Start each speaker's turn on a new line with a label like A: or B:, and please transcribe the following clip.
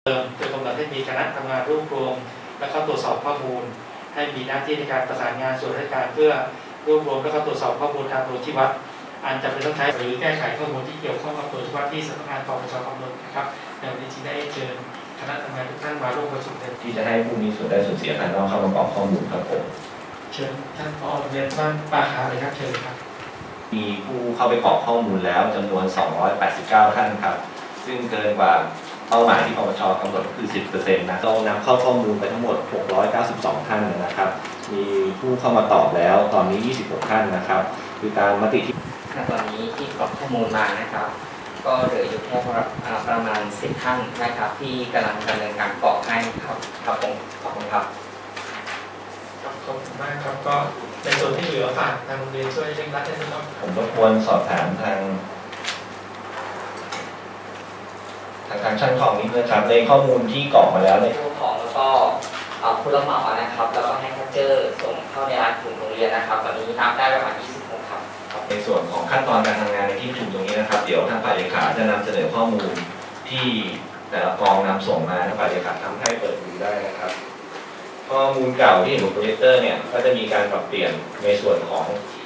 A: โดยกำหนดให้มีคณะทำงานรวบรวมและก็ตรวจสอบข้อมูลให้มีหน้าที่ในการประสานงานส่วนราชการเพื่อรวบรวมและก็ตรวจสอบข้อมูลทางตัวชี้วัดอันจำเป็นต้องใช้หรือแก้ไขข้อมูลที่เกี่ยวข้องกับตัวชี้วัดที่สำนักงานปปชกำหนดนะครับในวันนี้จึงได้เชิญคณะทำงานทุกท่านมาร่วมประชุมกัน
B: ที่จะให้ผู้มีส่วนได้ส่วนเสียภายนอกเข้ามาประกอบข้อมูลครับผม
A: เชิญท่านผอ.เรียนบ้านป่าขาเลยครับเชิญครับ
B: มีผู้เข้าไปกรอกข้อมูลแล้วจำนวน289ท่านครับซึ่งเกินกว่าเป้าหมายที่ปปชกำหนดคือ 10% นะเรานำเข้าข้อมูลไปทั้งหมด692ท่านนะครับมีผู้เข้ามาตอบแล้วตอนนี้26ท่านนะครับคือตามมติที่
C: ตอนนี้ที่กรอกข้อมูลมานะครับก็เหลืออยู่แค่ประมาณ10ท่านนะครับที่กำลังดำเนินการกรอกให้ครับครับผมขอบคุณครับ
A: ขอบคุณมากครับก็ในส่วนที่เหลือฝากทางโรงเรียนช่วยเร่งรัดให้ด้วย
B: ผมรบกวนสอบถามทางช่างของนิดนึงครับในข้อมูลที่กรอกมาแล้วใน
C: ผู้ของแล้วก็ผู้รับเหมานะครับแล้วก็ให้แคชเจอร์ส่งเข้าในร้านถึงโรงเรียนนะครับตอนนี้นับได้ประมาณ26ครับ
B: ในส่วนของขั้นตอนการทำงานในที่ประชุมตรงนี้นะครับเดี๋ยวทางฝ่ายเลขาจะนำเสนอข้อมูลที่แต่ละกองนำส่งมาทางฝ่ายเลขาทำให้เปิดดูได้นะครับข้อมูลเก่าที่เห็นบนโปรเจคเตอร์เนี่ยก็จะมีการปรับเปลี่ยนในส่วนของ